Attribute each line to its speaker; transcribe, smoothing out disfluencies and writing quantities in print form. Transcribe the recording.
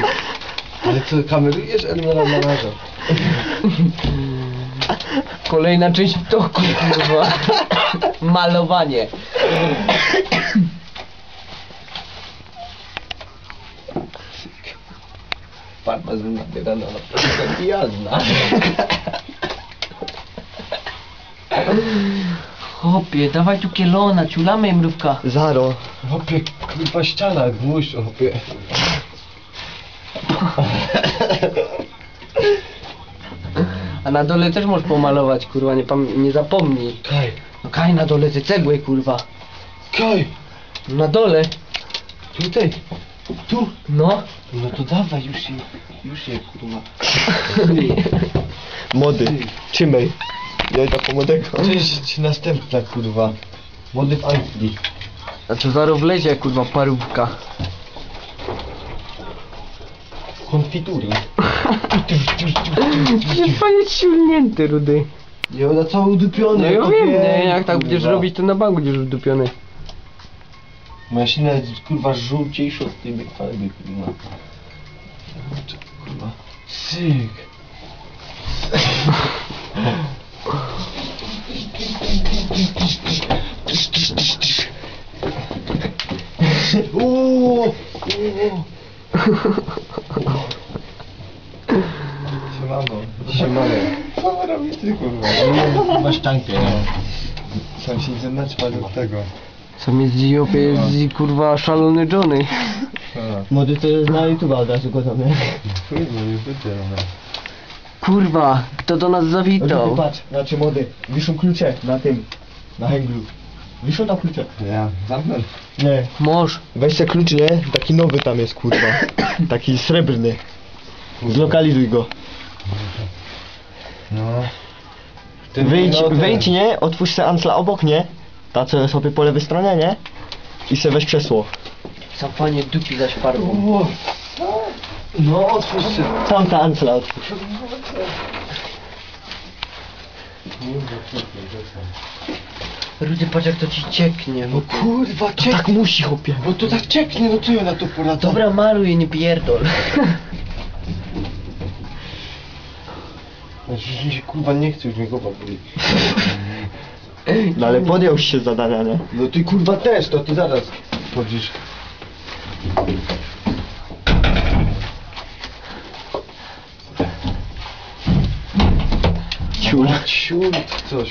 Speaker 1: Ale co, kamerujesz? Elmera naraża.
Speaker 2: Kolejna część to kurwa. Malowanie. Farma z nabierana na przykład jazda. Chłopie, dawaj tu kielona, ciulamy mrówka.
Speaker 3: Zaro.
Speaker 1: Hopie, kurwa ściana, gwóźdź, hopie.
Speaker 2: A na dole też możesz pomalować, kurwa, nie zapomnij.
Speaker 1: Kaj,
Speaker 2: No kaj na dole te cegły, kurwa.
Speaker 1: kaj,
Speaker 2: Na dole.
Speaker 1: tutaj, tu.
Speaker 2: No.
Speaker 1: No to dawaj, już je, kurwa.
Speaker 3: Młody. Trzymaj. Ja idę po młodego.
Speaker 1: Cześć, następna, kurwa. Młody w Anglii.
Speaker 2: A co zaraz wlezie, kurwa, parówka.
Speaker 1: Konfitury.
Speaker 2: Przecież pan jest silnięty, rudy.
Speaker 1: Nie, ona cały udupiony.
Speaker 2: No ja
Speaker 1: to
Speaker 2: wiem,
Speaker 1: wiem,
Speaker 2: nie, jak tak będziesz
Speaker 1: kurwa.
Speaker 2: robić, to na bank będziesz udupiony.
Speaker 1: Moja silna jest, kurwa, żółciejsza od tej farby, kurwa. Kurwa. Syk. Uuuu. Siemano. Co robisz ty, kurwa? Masz tankę, nie? Sam się zaznaczył do tego.
Speaker 2: Sam jest dziopie, jest kurwa szalony Johnny.
Speaker 3: Młody to jest na YouTube od razu gotowy.
Speaker 1: Kurwa, nie będzie, no.
Speaker 2: Kurwa, kto do nas zawitał?
Speaker 3: Patrz, znaczy młody, wiszą klucze na tym, na hęglu. Wiszą tam klucze.
Speaker 1: Ja, zamknę.
Speaker 3: Nie.
Speaker 2: Mąż.
Speaker 3: Weź se klucz, nie? Taki nowy tam jest, kurwa. Taki srebrny. Zlokalizuj go.
Speaker 1: No.
Speaker 3: Wyjdź, nie? Otwórz se Ansla obok, nie? Ta co sobie po lewej stronie, nie? I se weź krzesło.
Speaker 2: Sam panie dupi zaś farbą.
Speaker 1: No, otwórz się.
Speaker 3: Sam ta Ansla otwórz.
Speaker 2: Rudy, patrz jak to ci cieknie.
Speaker 1: No kurwa,
Speaker 3: To tak musi, chłopie.
Speaker 1: Bo to tak cieknie, no co ja na to poradzę?
Speaker 2: Dobra, maluj, nie pierdol.
Speaker 1: Znaczy, się kurwa nie chce, już mnie głowa boli.
Speaker 3: No ale podjął się zadania, nie?
Speaker 1: No ty kurwa też, to ty zaraz chodzisz.
Speaker 3: Ciul.
Speaker 1: Ciul, coś.